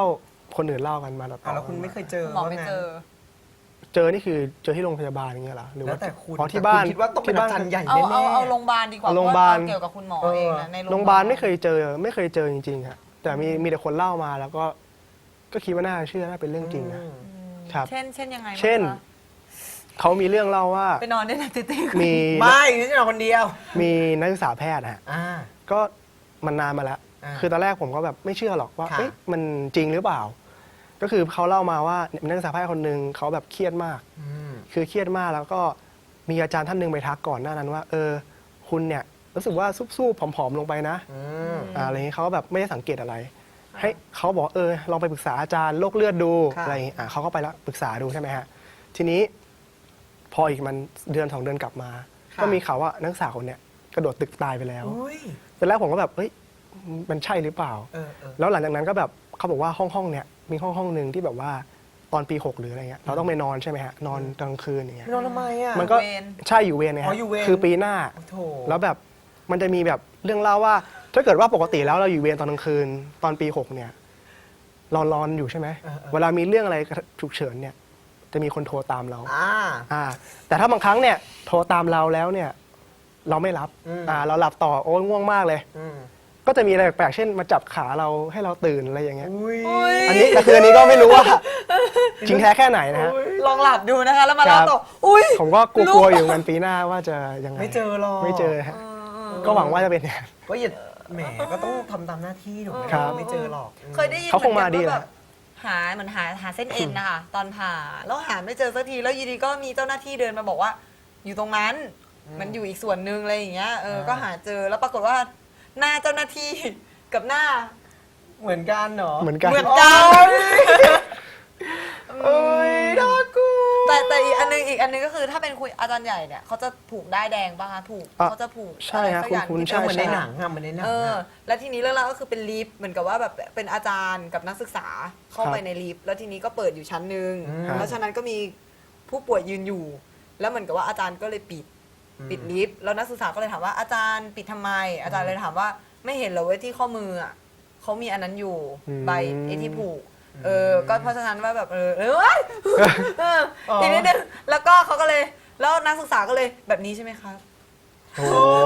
คนอื่นเล่ากันมาต่ออ่ะแล้วคุณไม่เคยเจอหมอไม่ว่าไงเจอเจอนี่คือเจอที่โรงพยาบาลอย่างเงี้ยเหรอหรือแล้วว่าแต่คุณอ๋อที่บ้านแต่คุณคิดว่าต้องเป็นที่บ้อาจารย์ใหญ่เอาแน่เอาๆเอาโรงพยาบาลดีกว่าเอาโรงพยาบาลเพะว่เกี่ยวกับคุณหมอเออเองนะในโรงพยาบาลไม่เคยเจอไม่เคยเจอจริงๆครับแต่มีมีแต่คนเล่ามาแล้วก็ก็คิดว่าน่าเชื่อน่าเป็นเรื่องจริงนะอืมครับเช่น เช่นยังไงบ้างเช่นคะเขามีเรื่องเล่าว่าไปนอนได้นะติ๊ติ๊กมีไม่นี่จะนอนคนเดียวมีนักศึกษาแพทย์ฮะอ่าก็มันนานมาแล้วอ่าคือตอนแรกผมก็แบบไม่เชื่อหรอกว่าค่ะเอ๊ะมันจริงหรือเปล่า ก็คือเขาเล่ามาว่านักศึกษาแพทย์คนหนึ่งเขาแบบเครียดมากอืมคือเครียดมากแล้วก็มีอาจารย์ท่านหนึ่งไปทักก่อนหน้านั้นว่า เออ คุณเนี่ยรู้สึกว่าซุบๆผอมๆลงไปนะอืมอ่าอะไรอย่างนี้เขาก็แบบไม่ได้สังเกตอะไร ให้เขาบอกเออลองไปปรึกษาอาจารย์โรคเลือดดูค่ะอะไรอย่างนี้อ่าเขาก็ไปแล้วปรึกษาดูใช่ไหมฮะทีนี้พออีกมันเดือนสองเดือนกลับมา ก็มีข่าวว่านักศึกษาคนเนี้ยกระโดดตึกตายไปแล้วอุ้ยตอนแรกผมก็แบบเฮ้ยมันใช่หรือเปล่าเออเออแล้วหลังจากนั้นก็แบบเขาบอกว่าห้องห้องเนี้ยมีห้องห้องหนึ่งที่แบบว่าตอนปีหกหรืออะไรเงี้ยเราต้องไปนอนใช่ไหมฮะนอนกลางคืนอย่างเงี้ยไม่นอนทำไมอ่ะมันก็เวรใช่อยู่เวรไงอ๋ฮะออยู่เวรคือปีหน้าโอ้โถแล้วแบบมันจะมีแบบเรื่องเล่าว่า ถ้าเกิดว่าปกติแล้วเราอยู่เวรตอนกลางคืน ตอนปีหกเนี่ยรอนรอนอยู่ใช่ไหมเออเออเวลามีเรื่องอะไรฉุกเฉินเนี่ยจะมีคนโทรตามเราอ่าอ่า แต่ถ้าบางครั้งเนี่ยโทรตามเราแล้วเนี่ย เราไม่รับอืมอ่า เราหลับต่อโอ้ยง่วงมากเลยอืมก็จะมีอะไรแปลกๆเช่นมาจับขาเราให้เราตื่นอะไรอย่างเงี้ยอุ้ยอันนี้แต่คืออันนี้ก็ไม่รู้ว่า จริงแท้แค่ไหนนะฮะลองหลับดูนะคะ แล้วมาครัเล่าบต่อ อุ้ยผมก็กลัวๆอยู่กันปีหน้าว่าจะยังไงไม่เจอหรอกไม่เจอฮะก็หวังว่าจะเป็นอย่างนั้นก็อย่าแหมก็ต้องทำตามหน้าที่ถูกไหมครับไม่เจอหรอกเคยได้ยินเขาคงมาดีหอนกันแหว่าละแบบหาเหมือนหาหาเส้นเอ็นนะคะตอนผ่าแล้วหาไม่เจอสักทีแล้วอยีดีก็มีเจ้าหน้าที่เดินมาบอกว่า อยู่ตรงนั้น มันอยู่อีกส่วนหนึ่งอะไรอย่างเงี้ยเอออ่าก็หาเจอแล้วปรากฏว่า หน้าเจ้าหน้าที่กับหน้าเหมือนกันเหรอเหมือนกันเหมือนกันเอ้ยน่ากลัวแต่แต่อีกอันนึงอีกอันนึงก็คือถ้าเป็นคุยอาจารย์ใหญ่เนี่ยเขาจะผูกได้ายแดงป่ะคะผูกอ่ะเขาจะผูกใช่ฮะอะไรสักอย่างคุณที่ใช่เหมือนในป็หนังอะเหมือนในหนังเอออะแล้วทีนี้เรื่องราวก็คือเป็นลิฟต์เหมือนกับว่าแบบเป็นอาจารย์กับนักศึกษาเข้าไปครับในลิฟต์แล้วทีนี้ก็เปิดอยู่ชั้นหนึ่งอืมแล้วชั้นนั้นก็มีผู้ป่วยยืนอยู่ แล้วเหมือนกับว่าอาจารย์ก็เลยปิดอืมปิดลิฟต์แล้วนักศึกษาก็เลยถามว่าอาจารย์ปิดทำไม อาจารย์เลยถามว่าไม่เห็นเหรอเว้ยที่ข้อมืออ่ะเขามีอันนั้นอยู่อืมใบไอ้ที่ผูกเออก็เพราะฉะนั้นว่าแบบเออเออเว้ยเอออ๋ออีอีกนิดนึงแล้วก็เขาก็เลยแล้วนักศึกษาก็เลยแบบนี้ใช่ไหมครับโอ้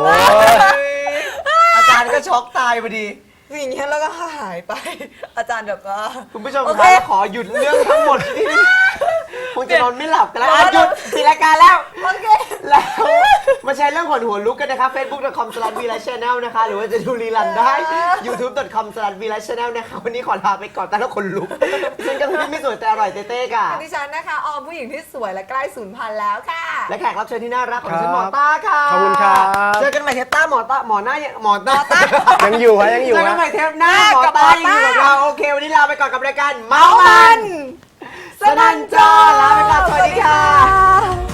อาจารย์ก็ช็อกตายพอดีอย่างเงี้ยแล้วก็หายไป อาจารย์แบบว่าคุณผู้ชมโอคเครับขอหยุดเรื่องทั้งหมดที่นี่คงจะนอนไม่หลับกันแล้วอ่ะหยุดปิดรายการแล้วโอเคแล้วมาแชร์เรื่องขนหัวลุกกันนะคะ facebook dot com slash v l i channel นะคะ หรือว่าจะดูรีลันได้ youtube dot com slash v l i channel นะคะ วันนี้ขอลาไปก่อนแต่ละคนลุกซึ่งก็คือไม่สวยแต่อร่อยเต้ๆค่ะดิฉันนะคะออมผู้หญิงที่สวยและใกล้สูญพันธุ์แล้วค่ะและแขกรับเชิญที่น่ารักของดิฉันหมอต้าค่ะขอบคุณครับเจอกันใหม่เทปต้าหมอต้าหมอหน้าหมอต้ายังอยู่ฮะยังอยู่เจอกันฮะใหม่เทปหน้าหมอกับต้าหมอยังอยู่ต้ากับเราโอเควันนี้ลาไปก่อนกับรายการเมามันสนันจอลาไปก่อนสวัสดีค่ะ